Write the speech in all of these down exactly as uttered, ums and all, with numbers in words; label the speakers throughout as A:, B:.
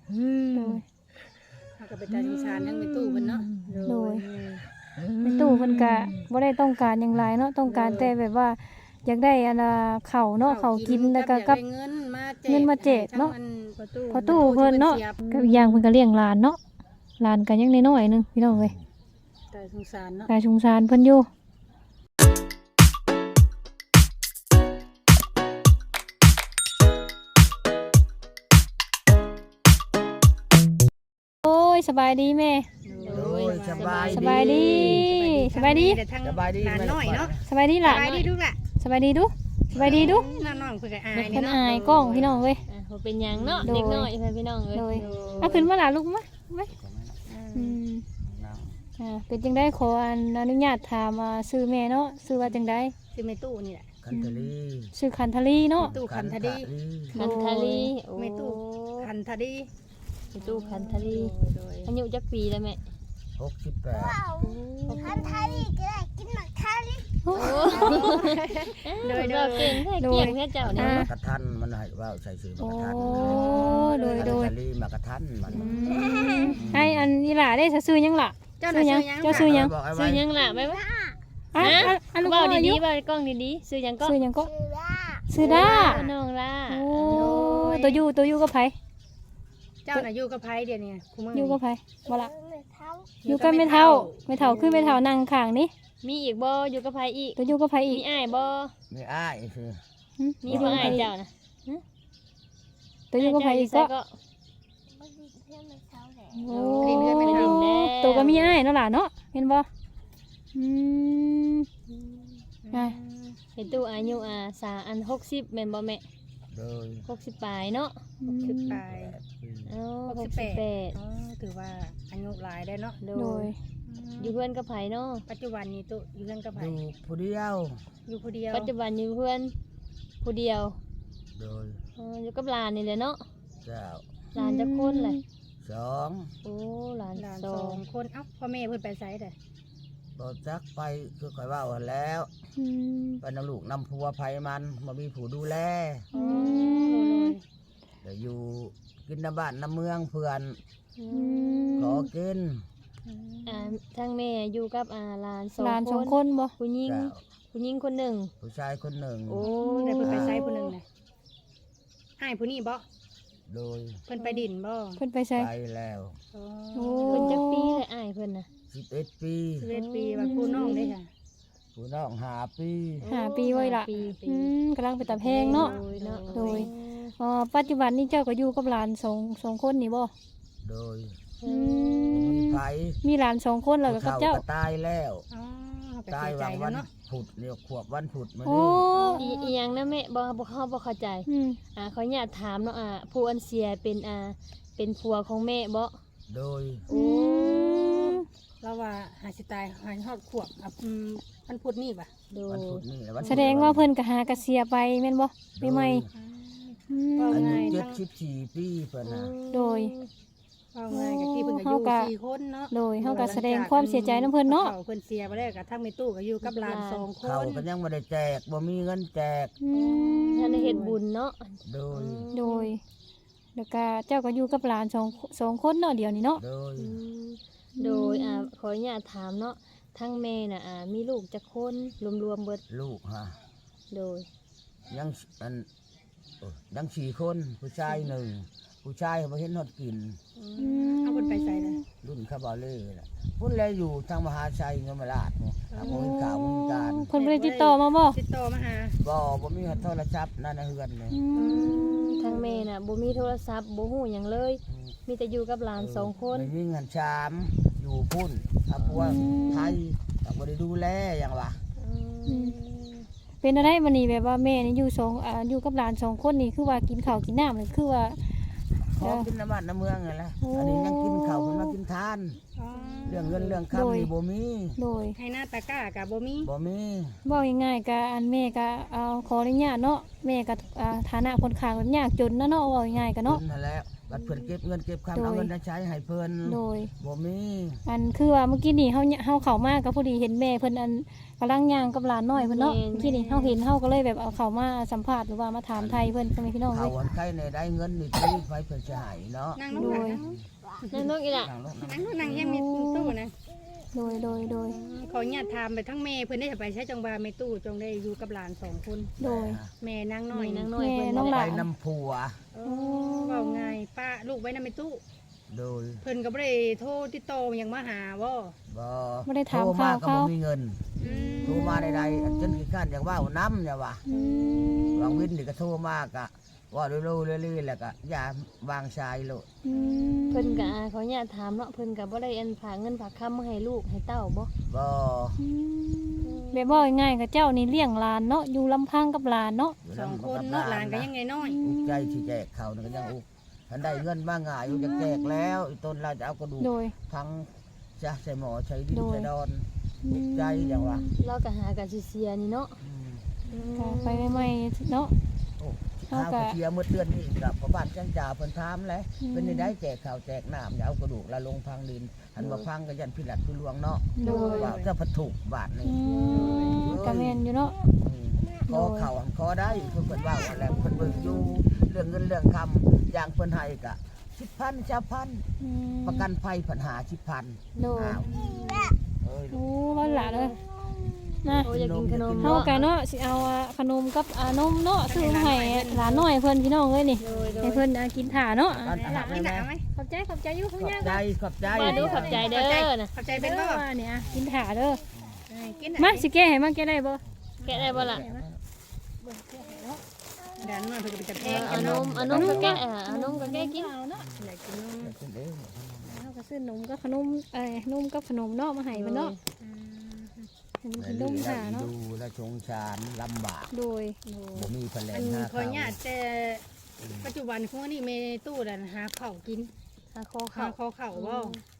A: เฮาก็ไปตาสงสารทั้งในตู้เพิ่นเนาะ
B: โดยในตู้เพิ่นก็บ่ได้ต้องการหยังหลายเนาะต้องการแต่แบบว่าอยากได้อันน่ะข้าวเนาะข้าวกินแล้วก็กับ
A: เงินมาแจก
B: เงินมาแจกเนาะ
A: พ
B: พอตู้เพิ่นเนาะก็อีกอย่างเพิ่นก็เลี้ยงหลานเนาะหลานก็ยังน้อยๆนึงพี่น้องเอ้ย
A: ตาสงสารเนาะ
B: กายสงสารเพิ่นอยู่โอ้ยสบายดีแม่
C: โอ้ยสบาย
B: สบายดีสบายดี
C: สบายดี
A: หลานน้อยเนาะ
B: สบายดีล่ะ
A: สบายดีดูล่ะ
B: สบายดีดูสบายดีดู
A: น้องๆเพิ่นก็อาย
B: เพิ่น
A: เนาะ
B: อายกล้องพี่น้องเว้ย
D: อ่ะบ่เป็นหยังเนาะเด็กน้อยเพิ่นพี่น้องเอ้ย
B: โดยเอาขึ้นมาล่ะลูกมาไว้อืมอ่าเป็นจังได๋ขออนุญาตถามอ่าชื่อแม่เนาะชื่อว่าจังได๋
A: สิแม่ตู้นี่แหละ
C: คันทลี
B: ชื่อคันทลีเนาะ
A: ตู้คันทดี
D: คันทาลีโอ้
A: แม่ตู้คันทดี
D: แม่ตู้คันทาลี
A: โดย
D: อายุจักปีแล้วแม่
C: หกสิบแปด
E: คันทารีก็ได้กินหมักทารี
A: โดยโด
D: เรา
A: ย
D: เก่งแท้เกี่ยงแท้เจ้าเนี่ย
C: มากระทันมันให้ว่าใส่ซื้อมากระทัน
B: โอ้โดยโดย
C: คันทลีมากระทันมัน
B: ไอ้อันนี้ล่ะได้ซื้อยังล่ะ
A: เจ้าน่ะชื่อหยัง
B: เจ้าซื้อยัง
C: บอกไอ้
D: ซื้
C: ไว้
D: อหยังล่ะไปบ่
B: อ่ะ
D: ฮะ
B: อ่ะอ่ะลูก
D: เว้า
B: อายุ
D: ดีๆเว้ากล้องดีๆซื้อหยังก็
B: ซื้อยังก็
E: ชื่อว่า
B: ซื้อได้
D: น้องล่ะ
B: โอ้ตัวอยู่ตัวอยู่กับไผ
A: เจ้าน่ะอยู่กับไผเดี๋ยวนี้คุมื้อ
B: อยู่กับไผบ่ล่ะ
E: เมื่อเท้า
B: อยู่กับแม่เฒ่าแม่เฒ่าคือแม่เฒ่านั่งข้างนี่
D: มีอีกบ่อยู่กับไผอีก
B: ตัวอยู่กับไผอี
D: มี
B: ก
D: อ้ายบ่
C: มีอ้ายคือ
B: หึ
D: มีบ่อ้ายเจ้านะ
B: ตัวอยู่กับไผอีกก็
D: ก็
E: ไม่ดีเพื่อนเมื่อเท้าแหละ
B: โอ้
A: เรียนเรียนไม่เท่า
B: ตัวก็มีอ้ายเนาะล่ะเนาะเห็นบ่อืมอ่ะ
D: เห็นตู้อายุอ่าสาอันหกสิบแม่นบ่แม่
C: โดย
D: หกสิบปลายเนาะ
A: สิบปลาย
C: แปดปี
D: เอ้า
A: ห
D: ห
A: ก
D: ก
A: สิ
D: สิ
A: บบ แป
D: แป
A: ด
D: ด
A: อ๋อถือว่าอายุหลายได้เนาะ
D: โด
B: โดย
D: ยอยู่เพื่อนกับไผเนาะ
A: ปัจจุบันนี้ตู้อยู่เพื่อนกับไผ
C: อยู่ผู้เดียว
A: อยู่ผู้เดียว
D: ปัจจุบันอยู่เพื่อนผู้เดียว
C: โดย
D: เอออยู่กับหลานนี่แหละเนาะ
C: เจ้า
D: หลานจะคนเลย
C: สอง
D: โอ้หลาน
A: หลาน
D: ส
A: ส
D: อ
A: อง งคนเอ้าพ่อแม่เพิ่นไปไสเด้อ
C: บ่จักไปคือคอยว่าวันแล้ว
B: อืม
C: ไปนำลูกนำผัวไผมันมามีผู้ดูแล
A: อ๋อ
C: เดี๋ยวอยู่กินน้ำบ้านน้ำเมืองเพื่อน
D: อื
B: อื
D: ม
C: ขอ
B: ม
C: กิน
D: อ่าทั้งแม่อยู่กับอ่าหลานสอง
B: หลานสอง
D: ค
B: คน นบ่
D: ผู้หญิง
C: เจ้า
D: ผู้หญิงคนหนึ่ง
C: ผู้ชายคนหนึ่ง
D: โอ้
A: ได้เพิ่นไปไสผู้หนึงน่ะอ้ายผู้นี้บ่
C: โดย
A: เพิ่นไปดินบ่
B: เพิ่นไปใส่
C: ไปแล้ว
A: อ๋อ
B: โอ้
D: เพิ่นจักปีเลยอ้ายเพิ่นน่ะ
C: สิบเอ็ดปี
A: สิบเอ็ดปีว่าผู้น้องได้ค่ะ
C: ผู้น้องหาปี
B: หาปีไว้ล่ะ
D: ปี
B: อืมกำลังไปตะแพงเนาะ
D: โดยเนาะ
B: โดย อ๋อปัจจุบันนี้เจ้าก็อยู่กับหลานสองสองคนนี่บ่
C: โดย
B: อืม
C: มีไผ
B: มีหลานสองคนแล้วก็กับเจ้า
C: ผู้ฒ่ก็ตายแล้ว
A: อ๋อเฮาก็
C: ตาย
A: เสียใจ
C: วัง
A: แล้
C: วั
A: วน เนาะ
C: ผุดเรียกขวบวันผุดมา
B: โอ้
C: นี่
D: อีอีหยังนะแม่บ่บ่เข้าบ่เข้าใจ
B: อืม
D: อ่าขออนุญาตถามเนาะอ่าผู้อันเสียเป็นอ่าเป็นผัวของแม่บ่
C: โดย
B: อืม
A: เราว่าหาสิตายหาฮอดขวบอ่ะอืมมันพูดนี่ป่ะ
D: โด
C: วัน
D: ย
C: ผุดนี่แหละวัน
B: แสดงว่าเพิ่นก็หากระเสียไปแม่นบ่ปีใหม่อืม
C: อายุเจ็ดสิบสี่ปีเพิ่นน่ะ
B: โดย
A: ว่าง่ายกับที่เพิ่นก็อยู่
B: เฮาก็
A: สี่คนเนาะ
B: โดยเฮาก็แสดงความเสียใจนํเพิ่นเนาะ
A: เพิ่นเสียไปแล้วก็ทั้งแม่ตู้ก็อยู่กับหลานสองค
C: เขา
A: น
C: ก็ยังไม่ได้แจกบ่มีเงินแจก
B: อืม
D: ท่านได้เฮ็ดบุญเนาะ
C: โดย
B: โดยแล้วก็เจ้าก็อยู่กับหลานสองสองคนเนาะเดี๋ยวนี้เนาะ
C: โดย
D: อืมโดยอ่าขออนุญาตถามเนาะทั้งแม่น่ะอ่ามีลูกจักคนรวมๆเบิด
C: ลูกฮะ
D: โดย
C: ยังอันโอ้ยังสี่คนผู้ชายหนึ่งผู้ชายเขาบ่เห็นฮอดกิน
A: เอาเพิ่นไปใส่เลย
C: รุ่นคาบาเล่น่ะพุ่นแลอยู่ทางมหาชัยเงมราชเนาะทางมหินข่าวมหินการ
B: เพิ่นบ่ได้ติดต่อมาบ่
A: ติดต่อมาหา
C: บ่บ่มีโทรศัพท์นั่นนะเฮือนเลย
B: อืม
D: ทั้งแม่น่ะบ่มีโทรศัพท์บ่ฮู้หยังเลย มีแต่อยู่กับหลานสองคน
C: ไม่มีเงินชามอยู่พุ่นถ้าพวกไทยก็บ่ได้ดูแลอย่างวะ
D: อืม
B: เป็นอะไรบัดนี้แบบว่าแม่นี่อยู่สองอ่าอยู่กับหลานสองคนนี่คือว่ากินข้าวกินน้ำนี่คือว่า
C: ขอกินน้ำมันน้ำเมืองนั่นแหละอันนี้ยังกินข้าวเพิ่นมากินทาน
A: อ๋อ
C: เรื่องเงินเรื่องคำนี่บ่มี
B: โดย
A: ให้หน้าตะกร้ากับบ่มี
C: บ่มี
B: เว้าง่ายๆก็อันแม่ก็เอาขออนุญาตเนาะแม่ก็อ่าฐานะคนข้างยากจนนะเนาะเว้าง่ายๆก็เนาะ
C: กินนั่นแหละบัดเพิ่นเก็บเงินเก็บคำเอาเงินมาใช้ให้เพิ่น
B: โดย
C: บ่มี
B: อันคือว่าเมื่อกี้นี่เฮาเฮาเข้ามาก็พอดีเห็นแม่เพิ่นอันกำลังย่างกับหลานน้อยเพิ่นเนาะเมื่อกี้นี่เฮาเห็นเฮาก็เลยแบบเอาเข้ามาสัมภาษณ์หรือว่ามาถามไทยเพิ่นพ่อแม่พี่น้อง
C: เขา
B: เว้ย
C: วันใครในได้เงินนี่ที่ไฟเพิ่นจะให้เนาะ
A: นั่งลง
B: โดย
D: นั่นนกอีหล่ะ
C: ทางโลก
A: นั่งลงนั่งยังมีตู้นะ
B: โดยโดยโดย
A: ขออนุญาตถามไปทั้งแม่เพิ่นได้ไปใช้จังหวะแม่ตู้จงได้อยู่กับหลานสองคน
B: โดย
A: แม่นางน้อย
D: แม่
A: นาน
D: าง ง
A: น้
D: น้
A: อ
D: อย ยเพิ่น
B: น้องห
C: ไป
B: ลาน
C: น้ำผัว
A: เว้าไงป้าลูกไว้นำแม่ตู้
C: โดย
A: เพิ่นก็บ่ได้โทรติดต่อหยังมาหาบ่
C: บ่
B: บ่ได้ถาม
C: โทรมา
B: ข่าว
C: ก็
B: เขา
C: บ่มีเงิน
A: อืม
C: โทรมาใดๆจนขี้ข้านอยากว่าน้ำอย่าว่า
B: อืม
C: วางวินนี่ก็โทรมากะว่าเร็วๆเรื่อยๆแล้วก็อย่าวางชายโลด
B: อืม
D: เพิ่นก็อ่าขออนุญาตถามเนาะเพิ่นก็บ่ได้อันฝากเงินฝากคำมาให้ลูกให้เต้าบ่
C: บ่
B: อืมแบบว่าง่ายๆกับเจ้านี่เลี้ยงหลานเนาะอยู่ลำพังกับหลานเนาะ
C: ยู่
A: สอง
C: ำ
A: คนเนาะหลานก็ยังไงน้อย
C: อุกใจที่แจกเขานี่ก็ยังอุกทันได้เงินมาง่ายอยู่จะแจกแล้วอีต้นเราจะเอากระดูก
B: โดย
C: พังจะใส่หมอใช้ดิน
B: โดย
C: ใส่ดอนอุกใจอย่างว่า
D: เราก็หากันสิเสียนี่เนาะ
C: อืม
B: ก็ไปใหม่ๆเนาะ
C: โอ้
B: เอา
C: ข้าว
B: กะ
C: กระเทียมเมื่อเดือนนี้กับพระบาทจังจ่าเพิ่นถามเลย
B: อืม
C: เป็นได้แจกข้าวแจกน้ำอย่าเอากระดูกละลงพังดินหันมาพังก็ยันพิลัดพิลวงเนาะ
B: โดย
C: ว่าจะพัดถูกบาทนี่
B: อืมกะแม่นอยู่เนาะ
C: ขอเข่าขอได้คือเพิ่นว่าว่าแล้วเพิ่นเบิ่งอยู่เรื่องเงินเรื่องคำอย่างเพิ่นให้กะสิบพันชาพัน
B: อืม
C: ประกันภัยปัญหาสิบพัน
B: โดย
C: อ้าวเอ้ย
B: โอ้ว่าหลานเลยนะ
D: โอ้อยากกินขนม
B: เฮา
D: เนาะ
B: กะเนาะสิเอาอ่ะขนมกับอ่านมเนาะซื้อมาให้หลานน้อยเพิ่นพี่น้องเอ้ยนี่
D: โดยโด
B: ให้
D: ย
B: เพิ่นอ่ะกินถ่าเนาะ
C: บ้านอาหาร
A: นี่
C: แม่
A: หนาไหม
B: ขอบใจขอบใจอยู่
C: ข
B: เพิ่น
C: อบ
B: ย่าง
C: ใจขอบใจ
D: มาดูขอบใจเด้อนะ
A: ขอบใจ
B: เป็
A: เป็น นบ่
B: ว่าเนี่ยอ่ะกินถ่าเด้อ
A: เออกิน
B: มาสิแก้ให้มาแก้ได้บ่
D: แกะได้บ่ล่ะ
A: หลานน้อยเพิ่นก็ไปจับแพ
D: เอง อเอานมเอานมก็แกะอ่ะเอานมก็แกะกิน
B: เอาเนาะ
A: อยากกินนม
B: เฮาก็ซื้อนมกับขนมเอ้ยนมกับขนมเนาะมาให้เพิ่นเนาะ
A: อืม
B: ให้มันกินนมถ่าเนาะ
C: ดูและชงชานลำบาก
B: โดย
C: บ่มีแผล
A: อั
C: ง
A: น
C: หน้า
A: ขอ
C: เขา
A: อนุญาตแต่ปัจจุบันของอันนี้แม่ตู้ดันหาข้าวกิน
D: หาคอ
A: ข้า
D: ข้าว ว
A: ข้าวข้าวบ่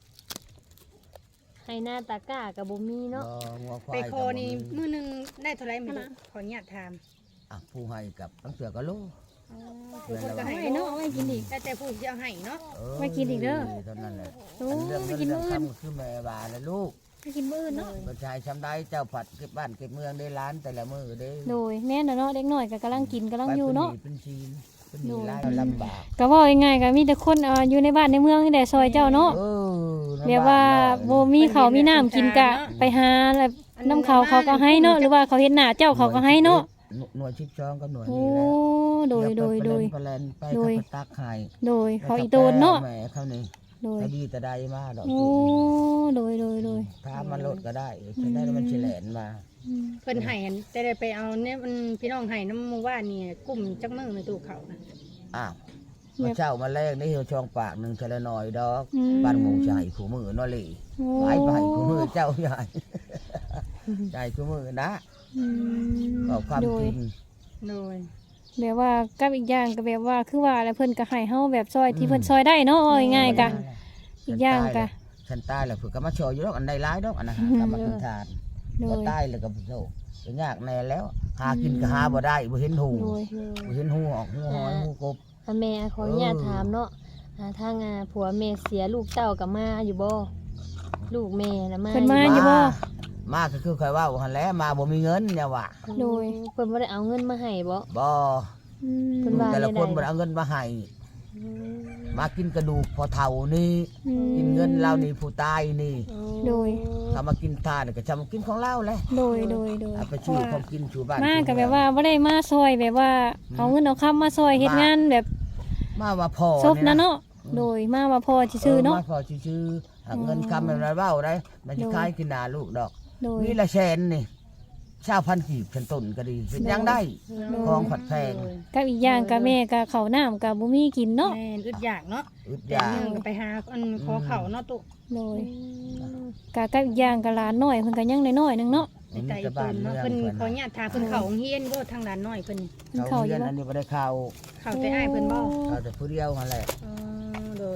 D: ให้หน้าตาก้ากับบ่มีเนาะ
C: บ่งัวควา
A: ไป
C: ย
A: คอนี่มื้อหนึงได้เท่าไหร่ไม่รู้ขออนุญาตถาม
C: อ่ะผู้ให้กับตั้งเสือก็โล
A: อ๋อผู้คนก็
B: เอา
A: ให้
B: ไว้เนาะเอาไว้กินอีก
A: แต่แต่ผู้ที่เอาให้เนาะ
C: เออ
B: ไว้กินอีกเด้อ
C: เท่านั้นแหละ
B: โอ้
C: อันเรื่อง
B: ไป
C: เงิน
B: กิน
C: เรื่
B: มื้
C: อ
B: อง อื่น
C: คำคือแม่บาและลูก
B: ไปกินมื้ออื่นเนาะ
C: ประชายชำได้เจ้าผัดเก็บบ้านเก็บเมืองได้ล้านแต่ละมือได้
B: โดยแม่นน่ะเนาะเด็กน้อยก็กำลังกินกำลังอยู่เนาะ
C: ไปเป็นชีนเป็นห
B: โด
C: นี
B: ย
C: ร้ายลำบาก
B: ก็เว้าง่ายๆก็มีแต่คนเอ่ออยู่ในบ้านในเมืองนี่แหละซอยเจ้าเนาะ
C: เออลำบก
B: เรียกว่าบ่มีข้าวมีน้ำกินกะไปหาแล้วน้ำเขาเขาก็ให้เนาะหรือว่าเขาเฮ็ดหน้าเจ้าเขาก็ให้เนาะ
C: หน่วยชิบช้องกับหน่วย
B: โอ้
C: นี้แหละ
B: โดยโดยโดย
C: ไปแลนไป
B: โดย
C: ขับตักไห้
B: โดยเขาอีโตนเนาะ
C: แม่เขานี่
B: โดย
C: ตะดีตะใดมาดอก
B: โอ้โดยโดยโดย
C: ถ้ามันลดก็ได้จะได้แล้วมันเฉลนมา
B: อืม
A: เพิ่นให้อันแต่ได้ไปเอาเนี่ยมันพี่น้องให้น้ำหมู่บ้านนี่กลุ่มจักมือในตู้เขานะ
C: อ้าวมาเช่ามาแรกนี่เหี่ยวช่องปากหนึ่งเฉลหน่อยดอก
B: อืม
C: บ้านหมูใหญ่ขู่มือเนอเลย
B: โอ้
C: ไปไปขู่มือเจ้าใหญ่ใหญ่ขู่มือนะ
B: อืม
C: บอกความ
B: โด
C: จ
B: ย
C: ริง
A: โดย
B: แบบว่ากับอีกอย่างก็แบบว่าคือว่าแล้วเพิ่นก็ให้เฮาแบบซอยที่เพิ่นซอยได้เนาะเอาง่ายๆกะอีกอย่างกะ
C: ฉันตายแล้วเผื่อก็มาโชว์อยู่ดอกอันใดร้ายดอกอันนั้นหา
B: อืม
C: กรรมกินทาน
B: โด
C: ก็
B: ย
C: ตายแล้วก็โชว์ก็ยากแน่แล้ว หากินก็หาบ่ได้บ่เห็นหู
B: โดย
C: บ่เห็นหูออกหูหอยหูกบ
D: อ่ะแม่ขออนุญาตถามเนาะอ่าทางอ่าผัวแม่เสียลูกเต้ากับมาอยู่บ่ลูกแม่น่ะมา
B: เพิ่นมาอยู่บ่
C: มาก็คือคอยว่าหันแหล้วมาบ่มีเงินเนี่ยว่ะ
B: โดย
D: เพิ่นบ่ได้เอาเงินมาให้บ่
C: บ่
B: อืม
D: เพิ่นว่า
C: แต่ละคน
D: ได้
C: บ่ได้เอาเงินมาให้
D: อืม
C: มากินกระดูกพอเฒ่านี่
B: อืม
C: กินเงินเรานี่ผู้ตายนี่
B: โดย
C: ถ้ามากินทานก็จะมากินของเราแหละ
B: โดยโดยโดย
C: เอาไปชื่อของกินชูบ้าน
B: มาก็
C: ชู
B: แบ
C: เมือง
B: บว่าบ่ได้มาซอยแบบว่าเอาเงินเอาคำมาซอยเฮ็ดงานแบบ
C: มาว่าพอ
B: ซบนะเนาะโดยมาว่าพอซื่อๆเนาะ
C: มาพอชื่อๆหาเงินคำเป็นไรเบ้าได้มันจะ
B: โดย
C: คล้ายกินหนาลูกดอก
B: โดย
C: นี่ละแสนนี่ชาวพันกีบฉันต้นก็ดีเป็นยังได้
B: โดย
C: ของผัดแพง
B: กับอีกอย่างกับแม่กับข้าวน้ำกับบ่มีกินเนาะ
A: แม่นอึดอยากเนาะ
C: อึด
A: แต่
C: ยา
A: หนึงก็ไปหาอันขอเขาเนาะตุ
B: โดยกะกับอีกอย่างกับหลานน้อยเพิ่นก็ยังน้อยๆหนึงเนาะ
A: ในใจเพิ่นเนาะเพิ่นขออนุญาตถามเพิ่นเขาโรงเฮียนบ่ทางด้านน้อยเพิ่น
B: เพิ่น
C: เขา
B: เข้าอ
C: เรี
B: ยู่
C: ยน
B: บ่
C: อันนี้ไม่ได้เข้า
A: เขาแต่อ้ายเพิ่นบ่
C: เขาแต่ผู้เดียวนั่นแหละ
A: อ๋อโดย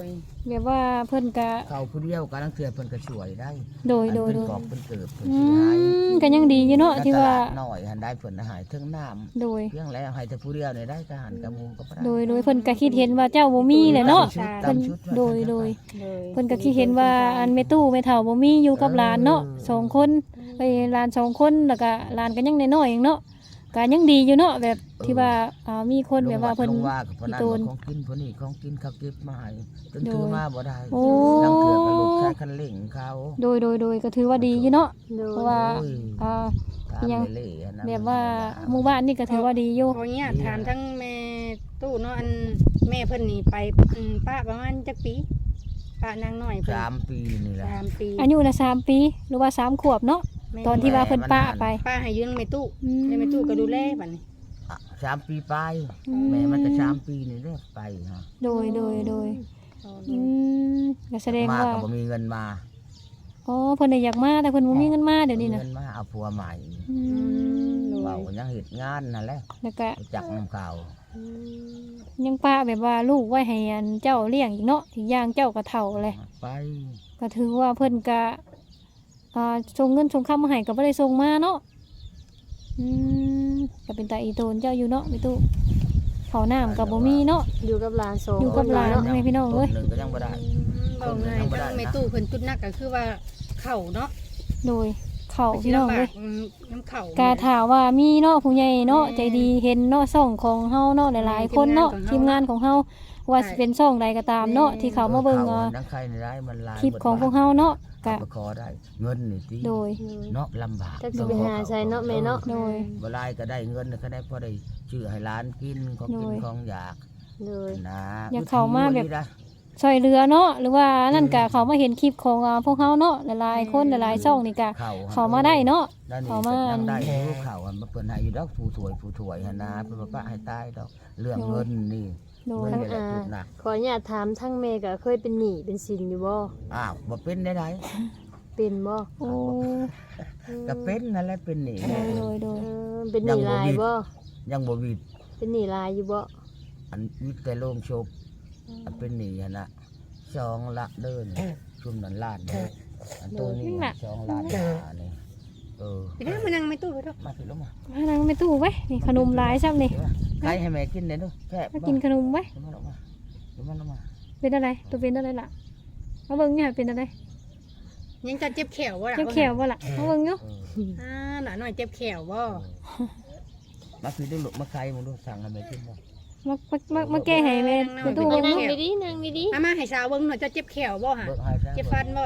A: ย
B: แบบว่าเพิ่นก็
C: เขาผู้เดียวกำลังเทื่อเพิ่นก็ช่วยได้
B: โดยโดย
C: อัน
B: โด
C: เพิ่น
B: ย
C: กอบเพิ่นเกิบเพิ่น
B: อื
C: สิหาย
B: มก็ยังดีอยู่เนาะที่ว่า
C: ตลดน้อยหันได้เพิ่นหายถึงน้ำ
B: โดย
C: เพียงแล้วให้แต่ผู้เดียวนี่ได้ก็หันกับหมู่ก็บ่ได้
B: โดยโดยเพิ่นก็คิดเห็นว่าเจ้าบ่มีแหละเนาะ
C: ตาม
B: เพิ่น
C: ชุด
B: โดยโดย
A: เลย
B: เพิ่นก็คิดเห็นว่าอันแม่ตู้แม่เฒ่าบ่มีอยู่กับหลานเนาะสองคนเอ้ยหลานสองคนแล้วก็หลานก็ยังน้อยๆเองเนาะก็ยังดีอยู่เนาะแบบที่ว่าอ่ามีคนแบบว่าเพิ่น
C: ลงว่ากับเพิ่นนั่น
B: อีโตน
C: ของกินเพิ่นนี่ของกินเขาเก็บมาให้จน
B: โดย
C: ถือมาบ่ได้
B: โอ้
C: ลังเถื่อก็หลุดใช้คันเร่งเขา
B: โดยโดยโดยก็ถือว่าดีอยู่เนาะ
D: โดย
B: เพราะว่า
C: โอ้ย
B: อ่า
C: ตาม
B: ยัง
C: เล่ๆอันนั้น
B: แบบว่าหมู่บ้านนี่ก็ถือว่าดีอยู่
A: ขออนุญาตถามทั้งแม่ตู้เนาะอันแม่เพิ่นนี่ไปอืมป้าประมาณจักปีป้านางน้อยเพิ่น
C: สามปีนี่แหละ
A: สามปี
B: อายุน่ะสามปีหรือว่าสามขวบเนาะ
A: แม่
B: ตอนที่ว่าเพิ่นป้าไป
A: ป้าให้ยืมแม่ตู้
B: อืม
A: แล้วแม่ตู้ก็ดูแลบัดนี้
C: อ่ะสามปีไป
B: อืม
C: แม่มันก็สามปีนี่เด้อไปฮะ
B: โดยโดยโดยอืมก็แสดง
C: มา
B: ว่า
C: ก็บ่มีเงินมา
B: อ๋อเพิ่นน่ะอยากมาแต่เพิ่นบ่มีเงินมาเดี๋ยวนี้
C: มี
B: น่ะ
C: เงินมาเอาผัวใหม่
B: อืม
C: เว้ายังเฮ็ดงานนั่นแหละ
B: แล้วก็
C: รู้จักน้ำข่าว
B: ยังป้าแบบว่าลูกไว้ให้อันเจ้าเลี้ยงอีกเนาะอีกอย่างเจ้าก็เฒ่าเลย
C: ไป
B: ก็ถือว่าเพิ่นก็อ่าส่งเงินส่งคำมาให้ก็บ่ได้ส่งมาเนาะอืมก็เป็นตาอีโตนเจ้าอยู่เนาะพี่ตู้ข้าวน้ำก็บ่มีเนาะ
D: อยู่กับหลานสอง
B: อยู่กับหลาน
D: เนาะ
B: แม่พี่น้องเอ้ย
C: ต้นหนึ่งก็ยังบ่ได้
A: บอกง่ายทั้งแม่ตู้เพิ่นจุดหนักก็คือว่าเข่าเนาะ
B: โดยข้าวพี่น้องเอ้ย
A: อืมน้ำเข่าก
B: าถามว่ามีเนาะผู้ใหญ่เนาะใจดีเห็นเนาะช่องของเฮาเนาะหลายๆคนเนาะทีมงานของเฮาว่าสิเป็นช่องใดก็ตามเนาะที่เขามาเบิ่ง
C: ข่
B: อ่า
C: นังใครในได้มันลาย
B: คลิปของพวกเฮาเนาะก็
C: ก็ขอได้เงินนี่ติ
B: โดย
C: เนาะลำบาก
D: จักสิไปหาใช้เนาะแม่เนาะ
B: โดย
C: บ่ลายก็ได้เงินก็ได้พอได้ชื่อให้ร้านกินของกิน
B: โดย
C: ของอยาก
D: โดย
C: นะ
B: อยากเข้ามาแบบ
C: วิธีนี้นะ
B: ช่วยเหลือเนาะหรือว่านั่นก็เขามาเห็นคลิปของอ่าพวกเฮาเนาะหลายๆคนหลายๆช่องนี่ก็
C: เข้า
B: เขามาได้เนาะ
C: นั่นนี่
B: เข้ามา
C: ก็ยังได้อยู่เข้าอันมาเพิ่นให้อยู่ดอกผู้ถวยผู้ถวยหั่นนะเพิ่นบ่ปะให้ตายดอกเรื่องเงินนี่
B: โดย
C: เงินนี่แหละจุดหนัก
D: ขออนุญาตถามทั้งแม่ก็เคยเป็นหนี้เป็นสินอยู่บ่
C: อ้าวบ่เป็นได้ได
D: เป็นบ่
B: โอ้
C: ก็เป็นนั่นแหละเป็นหนี้
B: โดยโดยโด
D: เอย อเป็นหนี้หลายบ่
C: ยังบ่วิด
D: เป็นหนี้หลายอยู่บ่
C: อันวิดแต่โรงศพอันเป็นหนี้หั่นน่ะสองละเดินชุมนั้นล้านเด้ออันตัวนี้สองล้านอันนี้เออ
A: ไปนั่งมานั่งแม่ตู้ไปเถอะ
C: มาสิลงมา
B: มานั่งไปตู้ไว้นี่ขนมหลายซ้ำนี่
C: ใครให้แม่กินได้ดูแค่
B: มากินขนมไว้
C: ลงมาลงมาลงมาลงมา
B: เป็นอะไรตัวเป็นอะไรล่ะมาเบิ่งเนี่ยเป็นอะไร
A: ยังจะเจ็บแขวบ่ล่ะ
B: เจ็บแขวบ่ล่ะมาเบิ่งอยู่
C: เออ
A: อ่าหลานหน่อยเจ็บแขวบ่
C: มาสิดูลูกมาใครมึงดูสั่งให้แม่กินบ่
B: มามามามาแก้ให้แม่ไปตู้
D: เอา
B: เบิ่ง
D: นั่ง
B: เนาะ
D: ดีๆนั่งดี
A: มามาให้สาวเบิ่งหน่อยจะเจ็บแขวบ่ฮะ
C: เบิกให้ซะ
A: เจ็บฟันบ่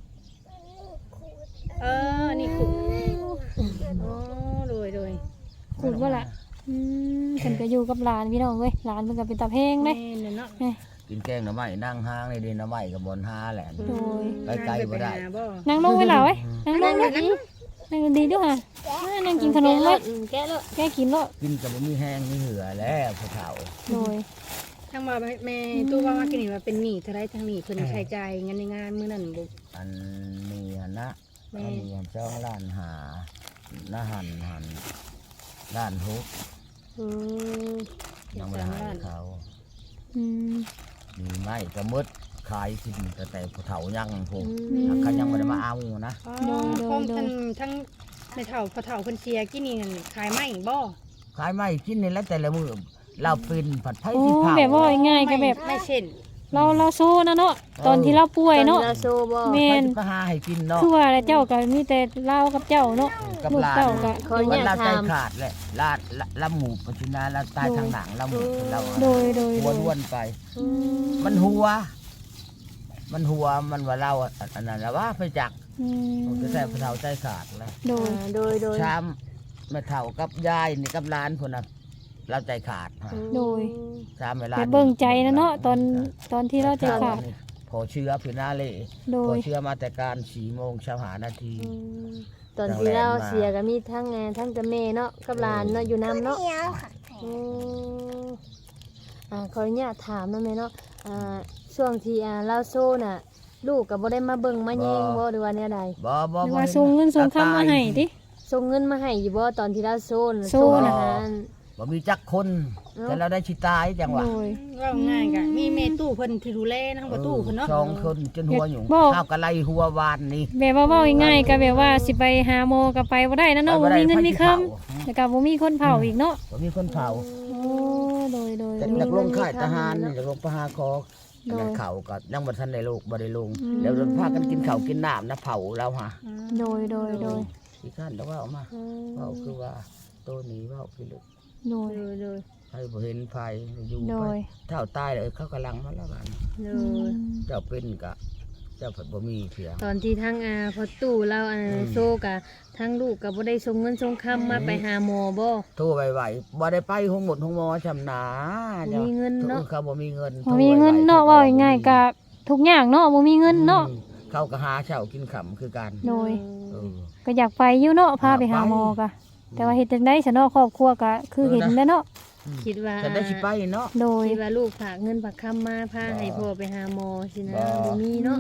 A: เออนี่ขุดโอ้โดยโดย
B: ขูดบ่ล่ะอืมเพิ่นก็อยู่กับหลานพี่น้องเว้ยหลานเพิ่นก็เป็นตาแพงเด้
A: แม่นเนาะ
C: กินแกงหน่อไม้นั่งห้างในดินหน่อไม้กับบนห้าแหละ
B: โดย
C: ไปไกลบ่ได้
A: ปหาบ่
B: นั่งลงไว้ล่ะเว้ยนั่งล
A: นั่
B: ง
A: ง
B: เว้ย
A: นั่ง
B: นั่งดีๆด้วยค่ะมานั่งกินขนม
D: แกะ
B: ไว้
D: แล้วอืมแกะแล้ว
B: แกกินเนาะ
C: กินกับบ่มีแห้งมีเหือแล้วผู้เฒ่า
B: โดย
A: ทั้งว่าแม่ตู้ว่ามากินนี่ว่าเป็นหนี้เท่าไรทั้งหนี้เพิ่นใช้จ่ายเงินในงานมื้อนั้นบ่
C: อันนี้หั่นนะ
A: แม่
C: อันนี้อันเจ้าล้านหาหน้าหันหันล้านหก
D: อืม
C: ยังไม่ได้ให้เขา
B: อืม
C: มีไม้กระมดขายกินแต่แต่ผู้เฒ่ายังพง
B: อืม
C: เขายังไม่ได้มาเอานะ
A: อ๋อ
B: โดยโดย
A: ของ
B: โดย
A: ทั้งทั้งในเฒ่าพ่อเฒ่าเพิ่นเสียกินนี่นั่นขายไม้บ่
C: ขายไม้กินนี่แล้วแต่ละมือเราเป็นผัดไผ่
B: โอ้
C: ที่เผา
B: แบบว่าง่ายๆก็แบบ
A: ไม่เช่น
B: เราเราโซ่นะเนาะตอนที่เราป่วยเนาะ
D: ตอโซบ่
B: แม่
C: แม่นก็หาให้กินเนาะ
B: คือว่าแล้วเจ้าก็มีแต่เล่ากับเจ้าเนาะ
C: กับ
B: ลูก
C: หลาน
B: เจ้าก็
D: ขออนุ
C: มัน
D: ญา
C: เรา
D: ต
C: ใจ
D: ถาม
C: ขาดแหละลาดละละหมูปัจจุบันเราตายทางหนังละหมูเรา
B: โดยโดย
C: หั
B: โด
C: วย ล้วนไป
D: อืม
C: มันหัว มันหัวมันว่าเราอันนั้นแล้วว่าไปจัก
B: อืม
C: ผมจะใส่ผู้เฒ่าใจขาดแล้ว
B: โดย
D: อ่าโดยโดย
C: ช้ำแม่เฒ่ากับยายนี่กับหลานคนน่ะเราใจขาดฮะ
B: โดย
C: ช้ำเวลา
B: แต่เบิ่งใจนะเนาะตอนตอนที่เราใจขาด
C: พอเชื้อพินาเล่
B: โด
C: พอย เชื้อมาแต่การสี่โมงเช้าหานาที
D: อืมตอนที่เราเสียก็มีทั้งงานทั้งแต่แม่เนาะกับหลานเนาะอยู่น้ำเนาะ
E: เหนียวค่ะ
D: อืมอ่าขออนุญาตถามหน่อยแม่เนาะอ่าช่วงที่อ่าเราโซน่ะ ลูกก็บ่ได้มาเบิ่งมาแยงบ่หรือว่าแนวใด
C: บ่บ่
B: หรือว่าส่งเงินส่งคำมาให้ติ
D: ส่งเงินมาให้อยู่บ่ตอนที่เราโซน
B: โซน่ะ
D: ส่งอาหาร
C: บ่มีจักคนแต่เราได้ชิตายจังหวะ
B: โดย
A: ว่าง่ายกะมีแม่ตู้เพิ่นที่ดูแลทั้งประตูเพิ่นเนาะ
C: สองคนจนหัวหยุ่ง
B: บ่
C: ข้าวกะไลหัววานนี่
B: แบบว่าเว้าง่ายๆก็แบบว่าสิไปหาหมอก็ไปบ่ได้นะเนาะบ่มีเงินมีคำแล้วก็บ่มีคนเผาอีกเนาะ
C: บ่มีคนเผา
B: โอ้โดยโดย
C: แต่
B: โดย
C: นักลงค่ายทหารนี่นักลงประหารคออันนั้นเขาก็ยังบ่ทันได้ลูกบ่ได้ลง
B: อืม
C: แล้วพากันกินข้าวกินน้ำนะเผาเราฮะ
B: โดยโดยโดย
C: ที่ขั้นแต่ว่าเอามาเว้าคือว่าตัวนี้เว้าคือลูก
B: โดย
D: โดยโดย
C: ให้บ่เห็นภัยอยู่
B: โด
C: ไป
B: ย
C: เท่าตายเลยเขากำลังมาแล้วกัน
D: โด
B: อื
D: ย
B: ม
C: เจ้าเป็นกะเจ้าผัดบ่มีเพียง
D: ตอนที่ทั้งอาพอตู้เราอ่า
C: อืม
D: โซกะทั้งลูกก็บ่ได้ส่งเงินส่งคำมาไปหาหมอบ่
C: โทรไวๆบ่ได้ไปห้องหมดห้องหมอชำนา
D: บ่มีเงินเนาะ
C: เขาบ่มีเงิน
B: บ่มีเงินเนาะเว้าง่ายๆก็ทุกอย่างเนาะบ่มีเงินเนาะ
C: อืมเขาก็หาเช้ากินค่ำคือกัน
B: โดย
C: เออ
B: ก็อยากไปอยู่เนาะพาไปหาหมอก็แต่ว่าเฮ็ดจังได๋ซะเนาะครอบครัวก็คือเห็นแล้วเนาะ
D: คิดว่า
C: แต่ได้สิไปเนาะ
B: โดย
D: คิดว่าลูกฝากเงินฝากคำมาพา
C: บ่
D: ให้พ่อไปหาหมอสินะ
C: บ่
D: บ่มีเนาะ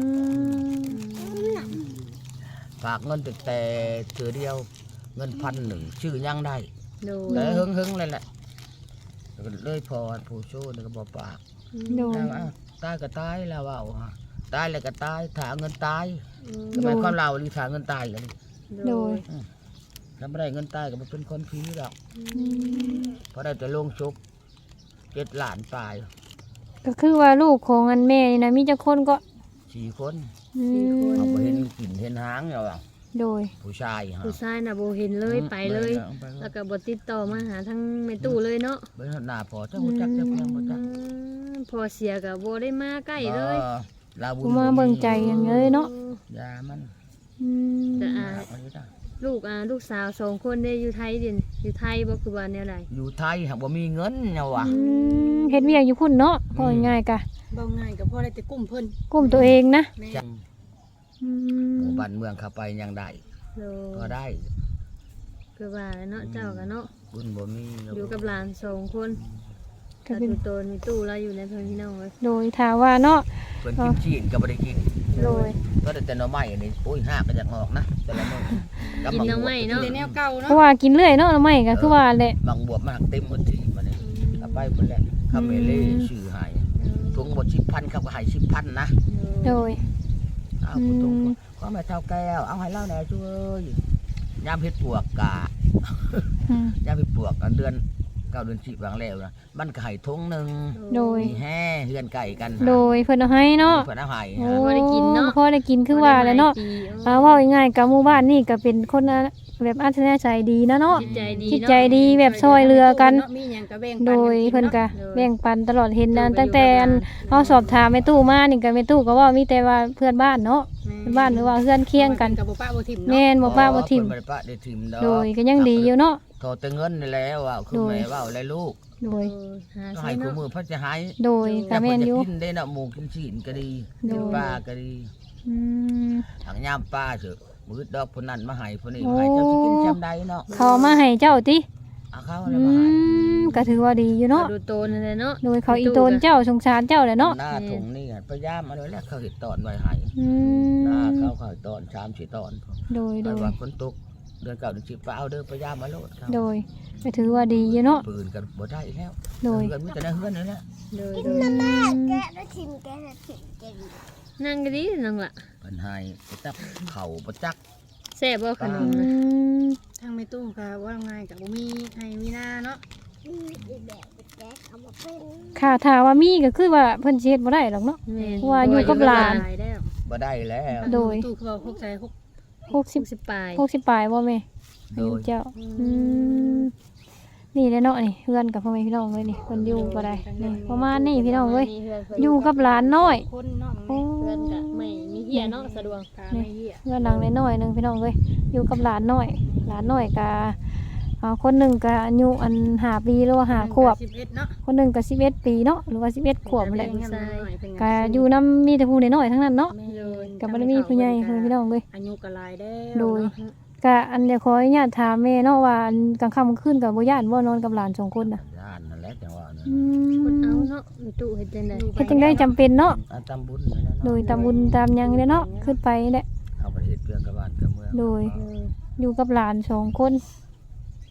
C: ฝากเงินแต่แต่เถือเดียว เงินพันหนึ่งชื่อยังได้
D: โดย
C: แต่หึงๆเลยแหละแล้วก็เลยพอผู้โชว์นี่ก็บ่ปาก
B: โดย
C: แล้วว่าตายก็ตายแล้วว่าฮะตายแล้วก็ตายถาเงินตาย
D: อืม
C: ทำไมความเราหรือถาเงินตายกัน
B: โดย
C: ถ้าไม่ได้เงินตายก็บ่เป็นคนผีหรอกเพราะได้แต่ลงชุบเจ็ดล้านปลาย
B: ก็คือว่าลูกของอันแม่นี่นะมีจักคนก็
C: สี่คน
B: อืม
C: เอาไปเห็นกลิ่นเห็นหางแล้วอะ
B: โดย
C: ผู้ชายฮะ
D: ผู้ชายน่ะบ่เห็นเลยไปเลย
C: ไปเล
D: แล้
C: ยว
D: ก็บ่ติดต่อมาหาทั้งแม่ตู้เลยเนาะ
C: ไปหน้าพอเจ้าหัวจักเจ้าเพียงหัวจัก
D: อืมพอเสียก็บ่ได้มาใกล้เลย
C: ออลาบุญ
B: กูมาเบิ่งใจอย่างเลยเนาะ
C: ยามัน
B: อืม
D: แต่อ่า
C: เอาอยู่ได้
D: ลูกอ่าลูกสาวสองคนได้อยู่ไทยเดินอยู่ไทยบ่คือว่าแนวใด
C: อยู่ไทยหากบ่มีเงินเนี่ยวะ
B: อืมเฮ็ดเวียกอยู่พุ่นเนาะพอง่ายๆกะ
A: เบาง่ายก็พอได้แต่กุ้มเพิ่น
B: กลุ่มตัวเองนะ
A: แม่
C: จัง
B: อื
C: ห
B: ม
C: มู่บ้านเมืองเข้าไปยังได้
D: โล
C: ก็ได้
D: คือว่าเนาะเจ้ากันเนาะ
C: บุญบ่มี
D: อยู่กับหลานสองคน
B: ก็
D: ถ้า
B: เป็น
D: ตู้โตนมีตู้เราอยู่ในเพิ่นพี่น้องเลย
B: โดยถามว่าเนาะ
C: เพิ่นกินชีนก็บ่ได้กิน
B: โดย
C: ก็ได้แต่หน่อไม้นี่โอ้ยห้าก็อยากออกนะแต่ละมื้อ
D: กินน้ำไม้เนาะ
A: ในแนวเก่า
B: เพ
A: เนาะ
B: ราะว่ากินเรื่อยเนาะไม่ก็คือว่าแหละ
C: บางบวบมันหักเต็มหมดที่มันนี่เอาไปหมดแล้วคาเมเล่ชื่อหายถุงหมดสิบพันเขาก็ใหายสิบพันนะ
B: โดย
C: เอาผู้ตรงก็แม่เท่าแก้วเอาให้เล่าแหน่ช่วยยามเฮ็ดปวกกะ
B: อืม
C: ยามเฮ็ดปวกอันเดือนเก้าเดือนสิบบางแล้วนะมันก็ให้ถุงหนึง
B: โดย
C: มีแห่เฮือนไก่กัน
B: โดยเพิ่นเอาให้เนาะ
C: เพิ่นเอาให้
B: โอ้
C: ฮะ
D: พอได้กินเนาะ
B: พอได้กินคือว่าแหล้วเนาะ
D: บ่ได้หลยปี
B: อ่าเว่าง่ายๆกับหมู่บ้านนี่ก็เป็นคนน่ะแบบอัธยาศัยดีนะเนาะ
D: จิตใจดี
B: จิต
D: เนาะ
B: ใจดีแบบช่วยเหลือกัน
A: มีหยังก็แบ่งปัน
B: โดยเพิ่นก็
D: โดย
B: แบ่งปันตลอดเห็นนั้น
D: โดย
B: ตั้งแต่อัน
D: อยู่กับหลาน
B: เฮาสอบถามแม่ตู้มานี่ก็แม่ตู้ก็เว่ามีแต่ว่าเพื่อนบ้านเนาะเพื่อนบ้านหรือว่าเพื่อนเคียงกัน
A: กับบ่ป้าบ่ทิ่มเนาะ
B: แม่นบ่ป้าบ่ทิ่ม
C: เพิ่นบ่ได้ปะได้ทิ่มดอก
B: โดยก็ยังดีอยู่เนาะ
C: โทรแต่เงินนี่แหล้วว่าคือ
B: โดย
C: แม่ว่าอะไรลูก
B: โดย
D: เออหา
C: ก็
D: ใช้
C: ให้คู่
D: เนาะ
C: มือเพิ่นจะให้
B: โดยก็แม่นอยู่
C: กินได้นะหมูกินชีนก็ดี
B: โดย
C: กินปลาก็ดี
B: อืม
C: ทางยามปลาเถอะมือดอกคนนั้นมาให้คนนี้
B: โอ้
C: มาให้เจ้าสิกินจำได้เนาะ
B: เขาเอามาให้เจ้าติ
C: เอาเขา
B: อื
C: แล้วมาให้
B: มก็ถือว่าดีอยู่เนาะ
D: ดูโตนั่นแหละเนาะ
B: โดยเขาอีโตนเจ้าสงสารเจ้าแหละเนาะ
C: หน้าถุงนี่พยายามมาเลยแล้วเขาเห็ดตอนไว้ให้
B: อื
C: หน้าม เขาเขาเห็ดตอนชามสีตอน
B: โดยโด
C: แต่
B: ย
C: ว่าคนตกเดือนเก่าเดือนสิบเอาเด้อพยายามมาโลดเขา
B: โดยก็ถือว่าดีอยู่เนาะ
C: ปืนกันบ่ได้แล้ว
B: โดย
C: เงินมีแต่ในเฮือนนี่แหละ
D: โดย
E: กิน
D: โดย
E: น้ำแม่แกะแล้วทิมแกะแล้วทิมแกะดิ
D: นั่งก็ดีนั่งละ
C: เพิ่นให้ไปจับเข่าบ่จัก
D: แซ่บบ่ขน
B: อื
D: มนะ
B: ม
A: ทางแม่ตู้ก็ว่าง่ายก็บ่มีให้มีหน้าเนาะ
E: อืมอีแบบแกะเอามาเป็น
B: ค่ะถ้าว่ามีก็คือว่าเพิ่นสิเฮ็ดบ่ได้หรอกเนาะ
D: แม่น
B: ว่าอยู่กับหลาน
D: แล้ว
C: บ่ได้แล้ว
B: โดย
A: ตู้คือว่าพวกใจพวก
B: หกสิบ
D: สิบปลาย
B: หกสิบปลายบ่แม่
C: โด
B: อายุ
C: ย
B: เจ้าอืมนี่แหละเนาะนี่เพื่อนกับพ่อแม่พี่น้องเลยนี่เพิ่นอยู่บ่ได้นี่ประมาณนี้พี่น้องเอ้ยอยู่กับหลานน้อย
A: คนเนาะ
B: โอ้
D: เพื่อนกะไม่มีเหี้ยเนาะสะดวก
A: ตาไม่เหี้ย
B: เพื่อนหลังน้อยๆหนึงพี่น้องเอ้ยอยู่กับหลานน้อย หลานน้อยก็อ่าคนหนึงก็อายุอันห้าปีหรือว่าห้าขวบ
A: สิบเอ็ดเนาะ
B: คนหนึงก็สิบเอ็ดปีเนาะหรือว่าสิบเอ็ดขวบนั่นแหละ
A: เพิ่นก็
B: ก็อยู่นำมีแต่ผู้น้อยๆทั้งนั้นเนาะ
A: แม่เลย
B: ก็บ่ได้มีผู้ใหญ่เพิ่นพี่น้องเอ้ย
A: อายุก็หลายแล้ว
B: โดย
A: เนาะ
B: ก็อันเดียวขออนุญาตถามแม่เนาะว่าอันกลางค่ำกลางคืนก็บ่ย่านบ่นอนกับหลานสองคนน่ะ
C: ย่านนั่นแหละจังว่านั่น
B: อื
D: คนเอา
B: ม
D: เนาะมีตู้เฮ็ดจังได๋
B: เฮ็ดจังได้จำเป็นเนาะ
C: อันตำบุญนี่แหละ
B: โด
C: เนาะ
B: ยตามบุญตามหยังเนี่ยเนาะขึ้นไปแหละ
C: เอาไปเฮ็ดเพื่อนกับบ้านกับเมือง
B: โดย อยู่กับหลานสองคน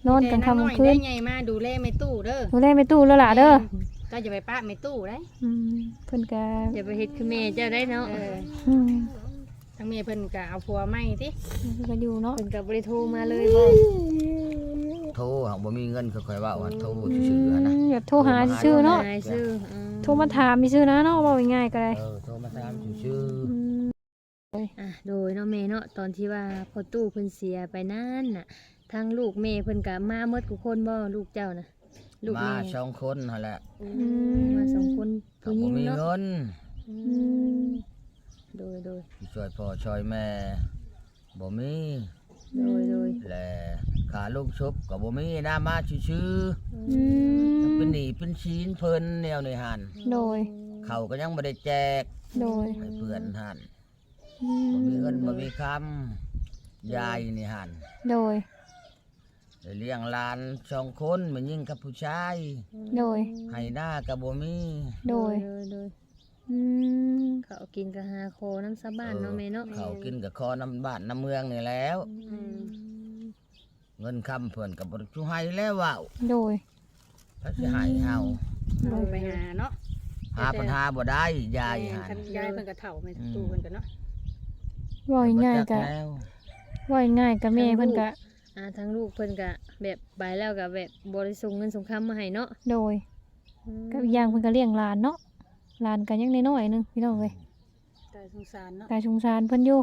B: นอนกลางค่ำกลางคืน
A: ได้ไงมาดูแลแม่ตู้เด้อ
B: ดูแลแม่ตู้แล้วล่ะเด้อ
A: ก็อย่าไปป้าแม่ตู้ได้
B: อืมเพิ่นก็
D: อย่าไปเฮ็ดคือแม่เจ้าได้เนาะ
A: เออ
B: อืม
A: ทั้งแม่เพิ่นก็เอาผัวใหม่ติ
B: เพิ่นก็อยู่เนาะ
D: เพิ่นก็บ่ได้โทรมาเลยบ่
C: โทรหากบ่มีเงินค่อยๆว่าว่าโทรชื่อๆหั้นนะ
B: อืมแบบโทรหาชื่อเนาะ
D: หายชื่ออืม
B: โทรมาถามมีชื่อนะเนาะเว้าง่ายๆก็ได้
C: เออโทรมาถามชื่อ
B: อืม
D: อ่ะโดยเนาะแม่เนาะตอนที่ว่าพ่อตู้เพิ่นเสียไปนั่นน่ะทางลูกแม่เพิ่นก็มาหมดทุกคนบ่ลูกเจ้าน่ะลูก
C: ๆมา
D: แม่
C: สองคนนั่นแหละ
D: อืมมาสองคน
C: ก็
D: ผู้ห
C: บ่
D: ญิง
C: มี
D: เนาะ
C: เงิน
D: อืมโดยโดย
C: สิช่วยพ่อช่วยแม่บ่มี
D: โดยโดย
C: และขาลูกชุบก็บ่มีนะมาชื่อ
B: อืม
C: ๆเป็นหนี้เป็นชีนเพิ่นแนวนี้หั่น
B: โดย
C: เขาก็ยังบ่ได้แจก
B: โดย
C: ให้เพื่อนหั่น
B: อื
C: บ่มีเงิน
B: ม
C: บ่มีคำยายนี่หั่น
B: โดย
C: ได้เลี้ยงหลานสองคนแมันยิ่งกับผู้ชาย
B: โดย
C: ให้หน้าก็บ่มี
B: โดย
D: โดยโดย
B: อืม
D: เขาวกินก็หาโคน้ำซาบ้านเนาะแม่เนาะ
C: เขากินกับคอน้ำบ้านน้ำเมืองนี่แล้ว
D: อืม
C: เงินคำเพิ่นก็บ่ได้ชูให้แล้วว่าว
B: โดย
C: พระสิให้เฮา
A: เอาไปหาเนาะ
C: หาปัญหาบ่ได้ยาย
A: แม่
C: หั่น
A: คันยายเพิ่นก็เฒ่าแม่ตู้เพิ่นก็เนาะ
B: เว่าง่ายๆ
C: บ่
B: ก็
C: จัแล้ว
B: เว่าง่ายๆก็แม่เพิ่นก็
D: อ่าทั้งลูกเพิ่นก็แบบไปแล้วก็แบบบ่ได้ส่งเงินส่งคำมาให้เนาะ
B: โดยก็อีกอย่างเพิ่นก็เลี้ยงหลานเนาะหลานก็ยังน้อยๆหนึงพี่น้องเอ้ย
A: ตายสงสารเนาะ
B: กายสงสารเพิ่นอยู่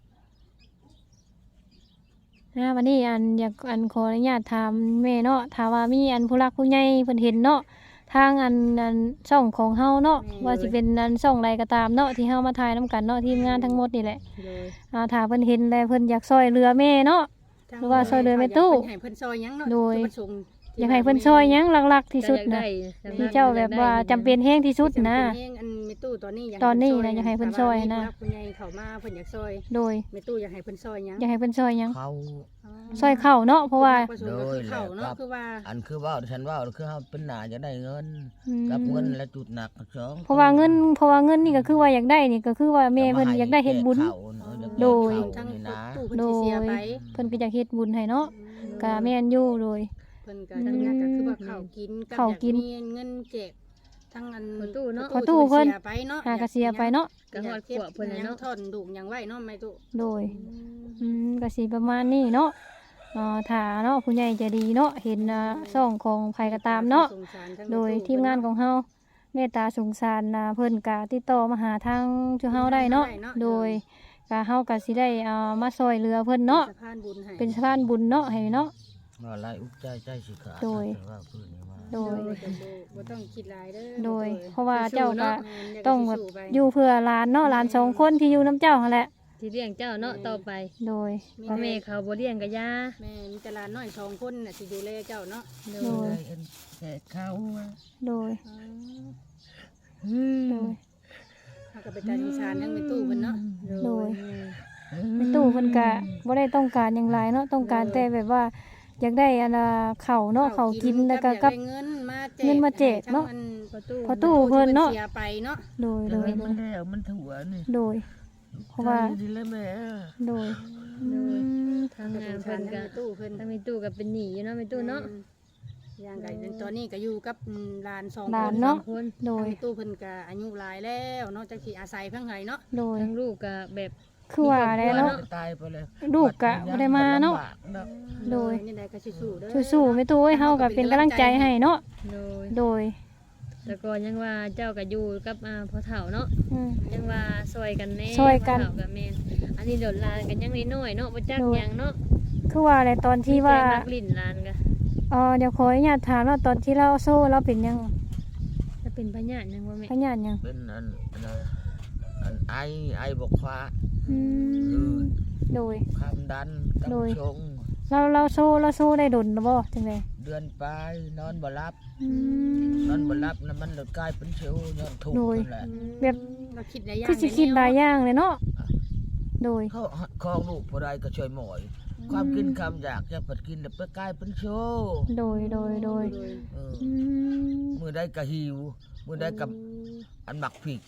B: นะวันนี้อันอยากอันขออนุญาตถามแม่เนาะถ้าว่ามีอันผู้รักผู้ใหญ่เพิ่นเห็นเนาะทางอันอันช่องของเฮาเนาะว่าสิเป็นอันช่องใดก็ตามเนาะที่เฮามาถ่ายนํกันเนาะทีมงานทั้งหมดนี่แหละ
D: โดย
B: อ่าถ้าเพิ่นเห็นแล้วเพิ่นอยากช่วยเหลือแม่เนาะ หรือว่าซอยเดินไปตู้
A: เพิ่นให้เพิ่นซอยหยังเนาะ
B: โดย
A: จุดประสงค์
B: อยากให้เพิ่นช่วยหยังหลักๆที่สุด
D: ก็อยาก
B: นะ
D: ได้
B: ที่เจ้าแบบว่าจำเป็นแฮงที่สุดนะ
A: จำเป็แฮงอันแม่ตู้ตอนนี้อยาก
B: ตอนนี้
A: ให้
B: นะอยากให้เพิ่นซอยนะ
A: ถ้าว่ามีผู้ใหญ่เข้ามาเพิ่นอยากซอย
B: โดย
A: แม่ตู้อยากให้เพิ่นซอยหยัง
B: อยากให้เพิ่นช่วยหยัง
C: เขา
B: ช่วยเข้าเนาะเพราะว่า
A: จุดประสงค์ก็คือเข้าเนาะคือว่า
C: อันคือว่าฉันว่าคือเฮาเป็นหน้าจะได้เงิน
B: อืม
C: กับเงินและจุดหนักสอง
B: เพราะว่าเงินเพราะว่าเงินนี่ก็คือว่าอยากได้นี่ก็คือว่าแม่เพิ่นอยากได้เฮ็ดบุญ
C: เขาเนาะอยาก
B: โดย
C: เขา
A: ทั้ง
C: นี่นะ
A: ตู้เพิ่นสิเสียไป
B: เพิ่นก็อยากเฮ็ดบุญให้เนาะก็แม่นอยู่โดย
A: เพิ่นก็ทั้งนั้นก็คือว่าข้าวกินบ
B: ข้าวกิน
A: อยมีเงินแจกทั้งอัน
D: ประตูเนาะ
B: ประตูเพิ่น
A: สียไปเนาะ
B: หากระเสียไปเนาะ
D: ก็ฮอดขวบเพิ่นน่ะเนาะ
A: ยังทอนดุกยังไหวเนาะแม่ตู้
B: โดยอืมก็สิประมาณนี้เนาะเอ่อถ้าเนาะผู้ใหญ่ใจดีเนาะเห็นอ่าช่องของไผก็ตามเนาะ
A: สงสารทั้ง
B: โดย
A: แตู้
B: ทีมงานของเฮาเมตตาสงสารนะเพิ่นก็ติดต่อมาหาทางชูเฮาได้เนาะโดยก็เฮาก็สิได้เอามาซอยเรือเพิ่นเนาะ
A: สะพานบุญให้
B: เป็นสะพานบุญเนาะให้เนาะ
C: ว่าไรอุกใจใจสิขาด
B: โดย
C: แต่ว่าพื้นนี่ว่า
B: โดย
A: โดยบ่ต้องคิดหลายเด้อ
B: โดย
A: แม่ตู้
B: เพราะว่าเจ้าก็
A: แม่นเดี๋ยว
B: ต้อง
A: สิ
B: แบบ
A: สู้ไป
B: อยู่เพื่อหลานเนาะหลานสองคนที่อยู่น้ำเจ้าหั่นแหละ
D: ที่เลี้ยงเจ้าเนาะต่อไป
B: โดย
D: พ่อแม่เขาบ่เลี้ยงก็ย่า
A: แม่มีแต่หลานน้อยสองคนน่ะสิดูแลเจ้าเนาะ
D: โด
B: โด
D: ย
B: ย
C: ได้เอ็นแก่เขาอะ
B: โดย
C: อืม
B: โดย
A: เฮาก็ไปตาสงสารทั้งแม่ตู้เพิ่นเนาะ
B: โดยในตู้เพิ่นก็บ่ได้ต้องการหยังหลายเนาะต้องการแต่แบบว่าอยากได้อันน่ะข้าวเนาะข้าวกินแล้วก็กับ
A: อยาได้เงินมาแจก
B: เงินมาแจกเนาะ
A: ให้ทั้ง
D: ประตู
B: พอตู้เพิ่นเนาะ
A: เสียไปเนาะ
B: โดย
C: โด
B: โด
C: ย
B: ยโด
C: มัน
B: ย
C: แล้วมันถั่วนี่
B: โดย เพราะว่า
C: ใจดีแล้วแม่
B: โดยอืม
D: ทาง
A: ก็
D: งา
A: ส
D: น
A: งสา
D: เพิ่
A: ร
D: น
A: ทั้
D: ก็
A: งแม่ตู้เพิ่น
D: ทางแม่ตู้ก็เป็นหนี้อยู่เนาะแม่ตู้เนาะ
A: อย่างไก่ตอนนี้ก็อยู่กับอืมหลานสอง
B: หลาน
A: คน
B: เนาะ
D: คน
B: โด
A: ทาง
B: ย
A: แม่ตู้เพิ่นก็อายุหลายแล้วเนาะจักสิอาศัยเพิ่นไห้เนาะ
B: โดย
D: ทั้งลูกก็แบบ
B: คือว่าแล้วเนาะ
C: ตายไปเลย
B: ลูกก็บ่ได้มาเนาะ โดย
A: นี่ได้ก็สู้ๆเด้อ
B: สู้ๆแม่ตู้เอ้ยเฮาก็เป็นกำลังใจให้เนาะ
D: โดย
B: โดย
D: แต่ก่อนยังว่าเจ้าก็อยู่กับอ่าพ่อเฒ่าเนาะ
B: อืม
D: ยังว่าซอยกันแน่
B: ซอยกัน
D: พ่อเฒ่ากับแม่นอันนี้เดี๋ยวลานกันยังน้อยๆเนาะบ่จัก
B: โดย
D: หยังเนาะ
B: คือว่าอะไรตอนที่ว่า
D: มีแต่นักลิ้นลานก็
B: เออเดี๋ยวขออนุญาตถามว่าตอนที่เราโซ่เราเป็นยัง
D: จะเป็นพญาติยังบ่แม่
B: พญานยัง
C: เป็นอันอันนั้นอันไอไอบกฟ้า
B: อืมโดย
C: ความดันกับ
B: โดย
C: ชง
B: เราเราโซ่เราโซ่ได้ดนหรือบ่จังได
C: เดือนปลายนอนบ่หลับ
B: อืม
C: นอนบ่หลับนะมันเลยกลายเป็นเชลย้อนทุกข์
B: โดย
C: นั่นแหละ
B: แบบ
A: เราคิดหลายอย่าง
B: คือสิคิดหลายอย่างเลยเนาะโดย
C: เขาคลองลูกผู้ใดก็ช่วยหมอย ความกินคำอยากจะปัดกินแล้วไปกลายเป็นโชว์
B: โดยโดยโดย
C: เออ
B: อืม
C: มือได้กะหิว มือได้กับอันหมักผิก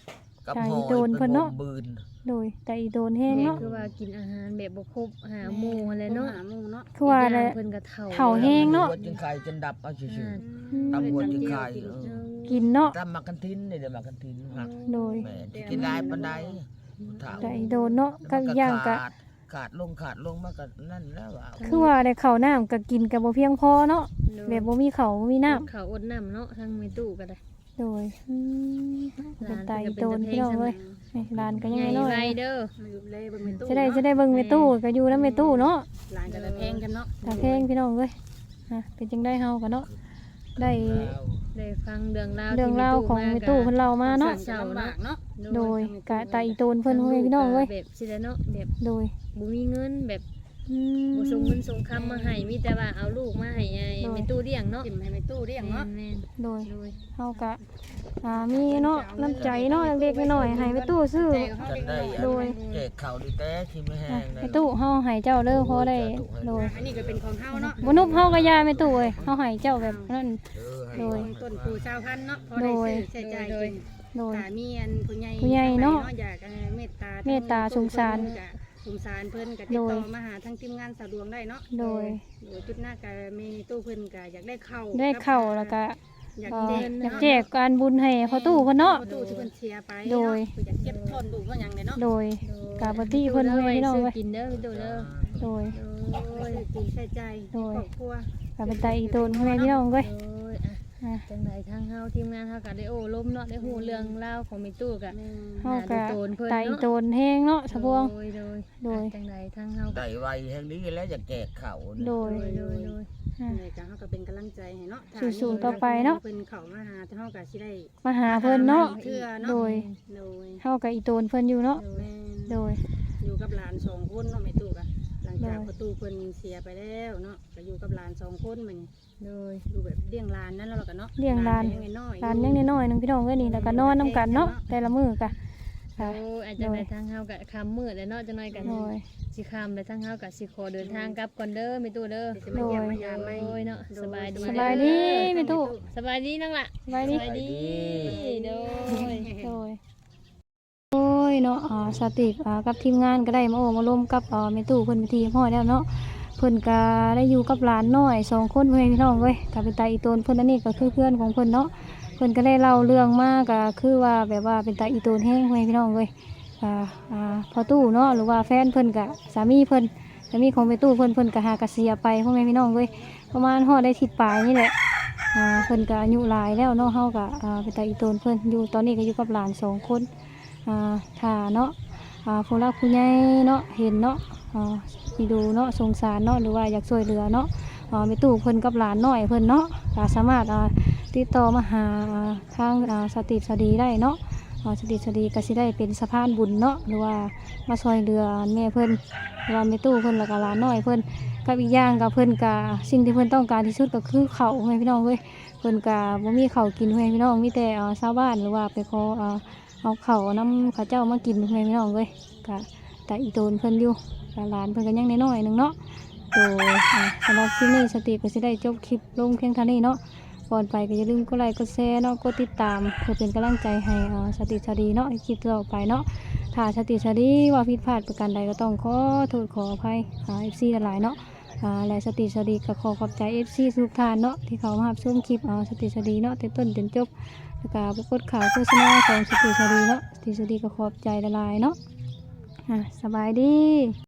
C: กับ
B: ใจ
C: หอย
B: โดนเพิ่นเนาะ
C: บืน
B: โดยใจโดนแห้ง
D: แม่
B: เนาะ
D: คือว่ากินอาหารแบบบ่ครบหาหมู่อะไรเนาะ
A: หาหมู่เนาะ
B: คือว่าอะไร
D: อีกย่งเพิ่นก็เฒ่า
B: เฒ่าแห้งเนาะ
C: หัวจึงไข่จนดับเอาชื่อ
D: อ่า
C: ๆตำหัวจึงไข่เออ
B: กินเนาะ
C: ตำมักกันทินนี่เดี๋ยวมักกันทินหัก
B: โดย
C: แม่ที่กินได้ปานใดเฒ่า
B: ใจโดนเนาะก็อีกอย่างก็
C: ขาดขาดลงขาดลงมาก็นั่นแล้วว่า
B: คือว่าได้ข้าวน้ำก็กินก็บ่เพียงพอเนาะแบบบ่มีข้าวบ่มีน้ำ
D: เขาอดน้ำเนาะทางไม่ตู้ก็ได้
B: โดยอืม
D: ห
B: เป็น
D: ลาน
B: ไต
D: เพิ่นก็
B: โดน
D: เป็น
B: พี่น้อง
D: ตะเพ
B: เว้ย
D: ง
B: นี่ร้านก็ยัง
D: ใหญ่
B: น้อย
D: ไว้เด้อ
A: มาอยู่เลยเบิ่งแม่ตู้
B: จะได้
A: เนา
B: จะได้เบิ่งแม่ตู้ก็อยู่นำแม่ตู้เนาะ
A: หลานก็ละแพงกันเนาะ
B: ตาเพลงพี่น้องเว้ยอ่ะเป็นจังได้เฮากันเนาะได้
D: ได้ฟังเรื่องราว
B: เรื่องราวของแม่ตู้เพิ่นเล่ามาเนาะ
A: เศร้าลำบากเนาะ
B: โดยกะตาอีโตนเพิ่นเว้ยพี่น้องเว้ย
D: แบบสิได้เนาะแบบ
B: โดย
D: บ่มีเงินแบบ
B: อืม
D: บ่ส่งเงินส่งคำมาให้มีแต่ว่าเอาลูกมาให้ไอ้
B: โดย
D: แม่ตู้เลี้ยงเนาะ
A: จิ้มให้แม่ตู้เรียงเนาะ
D: แม่น
B: โดย
D: ๆโดย
B: เฮากะอ่ามีเนาะน้ำใจเนาะเล็กๆน้อยๆให้แม่ตู้ซื้อ
A: แต่เขา
C: จะ
A: เด็ก
C: ได้
A: น้อย
B: โดย
C: แจกข่าวดีแต่ที่ไม่แห้งนะ
B: แม่ตู้เฮาให้เจ้าเด้อพอได้โดย
A: อันนี้ก็เป็นของเฮาเนาะ
B: บ่นุบเฮาก็ยาแม่ตู้เอ้ยเฮาให้เจ้าแบบนั้น
C: เออให้
B: โดย
A: ต้นปูชาวพันธุ์เนาะพอได้ซื้อใช้จ่ายกิน
B: โดย
A: ถ้ามีอันผู้ใหญ่
B: ผู้ใหญ่เนาะ
A: อยากเอ่อเมตตา
B: เมตตาสงสาร
A: ก็สงสารเพิ่นก็ติดต่อมาหาทางทีมงานสะดวกได้เนาะ
B: โดย
A: โดยจุดหน้าก็มีตู้เพิ่นก็อยากได้เข้า
B: ได้เข้าแล้วก็
A: อยาก
B: เอ่อ
A: แจก
B: อยากแจกการบุญให้พ่อตู้เพิ่นเนาะ
A: พ่อตู้ที่เพิ่นเสียไป
B: โดย
A: เนาะอยากเก็บทอนดูว่าหยังเนี่ยเนาะ
B: โดยกาปฏิเพิ่นเว้ยพี่น้อง
D: ซื้อ
B: เว้ย
D: กินเด้อพี่ตู้เด้อ
B: โดย
A: โอ้ยกินใช้ใจาย
B: โดย
A: ครอบครัว
B: กาเป็นตาอีโตนเว้ยพี่น้องเว้ย
D: โดยอ่ะ
B: อ่ะ
D: จังไดทางเฮาทีมงานเฮาก็ได้โอ้ล้มเนาะได้ฮู้เรื่องราวของแม่ตู้ก็
A: แม่
B: เฮากะ
D: โดนเพิ่น
B: ตาอี
D: เนาะ
B: โตนแห้งเนาะสะพวง
D: โดยโดย
B: โดย
D: อ่ะจังไดทางเฮาก็
C: ได้ไวแห่งนี้แล้วจะแจกข่าว
B: โด
D: โด
B: ย
D: ยโดยโดย
B: อ่ะ
A: ในการเฮาก็เป็นกำลังใจให้เนาะ
B: สู้ๆต่อไปเนาะ
A: เพิ่นเข้ามาหาเฮาก็สิได้
B: มาหาเพิ่นเนาะ
A: เทื่อเนาะ
B: โดย
A: โดย
B: เฮากับอีโตนเพิ่นอยู่เนาะ
A: แม่น
B: โดย
A: อยู่กับหลานสองคนเนาะแม่ตู้ก็หลังจาก
B: โดย
A: ประตูเพิ่นเสียไปแล้วเนาะก็อยู่กับหลานสองคนมัน
D: โดย
A: อยู่แบบเลี้ยงหลานนั่นแล้วก็เนาะ
B: เลี้ยงหลาน
A: ก็ยังน้อยๆ
B: หลานยังน้อยๆหนึงพี่น้องเว้ยนี่แล้วก็นอนนํกันเนาะแต่ละมื้อกะ
D: โอ้อาจจะไปทางเฮาก็ค่ำมืดแล้วเนาะจังไดกัน
B: โดย
D: สิค่ำแล้วทางเฮาก็สิขอเดินทางกลับก่อนเด้อแม่ตู้เด้อ
A: สิมาเยี่ยมมายามไหม
D: โดยเนาะสบายดี
B: สบายดีแม่ตู้
D: สบายดีนั่งล่ะ
B: สบายดี
D: สบายดีโดย
B: โดยโอ้ยเนาะอ่าสติอ่ากับทีมงานก็ได้มาโอ้มาร่วมกับอ่าแม่ตู้เพิ่นไปทีพ่อแล้วเนาะเพิ่นก็ได้อยู่กับหลานน้อยสองคนเพื่อนพี่น้องเว้ยก็เป็นตาอีโตนเพิ่นอันนี้ก็คือเพื่อนของเพิ่นเนาะเพิ่นก็ได้เล่าเรื่องมาก็คือว่าแบบว่าเป็นตาอีโตนแห้งเพื่อนพี่น้องเว้ยอ่าอ่าพอตู้เนาะหรือว่าแฟนเพิ่นก็สามีเพิ่นสามีของแม่ตู้เพิ่นเพิ่นก็หากระเสียไปพ่อแม่พี่น้องเว้ยประมาณฮอดได้ทิศปลายนี่แหละอ่าเพิ่นก็อายุหลายแล้วเนาะเฮาก็อ่าเป็นตาอีโตนเพิ่นอยู่ตอนนี้ก็อยู่กับหลานสองคนอ่าถ้าเนาะอ่าผู้รักผู้ใหญ่เนาะเห็นเนาะอ่าสิดูเนาะสงสารเนาะหรือว่าอยากช่วยเหลือเนาะอ่าแม่ตู้เพิ่นกับหลานน้อยเพิ่นเนาะก็สามารถอ่าติดต่อมาหาอ่าทางอ่าสติสดีได้เนาะอ่าสติสดีก็สิได้เป็นสะพานบุญเนาะหรือว่ามาช่วยเหลือแม่เพิ่นหรือว่าแม่ตู้เพิ่นแล้วก็หลานน้อยเพิ่นกับอีกอย่างกับเพิ่นก็สิ่งที่เพิ่นต้องการที่สุดก็คือข้าวแม่พี่น้องเว้ยเพิ่นก็บ่มีข้าวกินแม่พี่น้องมีแต่อ่าชาวบ้านหรือว่าไปขออ่าเอาข้าวน้ำข้าเจ้ามากินแม่พี่น้องเว้ยก็แต่อีโตนเพิ่นอยู่ก็หลานเพิ่นก็ยังน้อยๆหนึงเนาะโดยอ่าสำหรับคลิปนี้สติก็สิได้จบคลิปลงเพียงเท่านี้เนาะก่อนไปก็อย่าลืมกดไลค์กดแชร์เนาะกดติดตามเพื่อเป็นกำลังใจให้อ่าสติสดีเนาะในคลิปต่อไปเนาะถ้าสติสดีว่าผิดพลาดประการใดก็ต้องขอโทษขออภัยหา เอฟ ซี หลายๆเนาะอ่าและสติสดีก็ขอขอบใจ เอฟ ซี ทุกท่านเนาะที่เขามารับชมคลิปอ่าสติสดีเนาะแต่ต้นจนจบแล้วก็ปรากฏข่าวโฆษณาของสติสดีเนาะสติสดีก็ขอบใจหลายๆเนาะอ่าสบายดี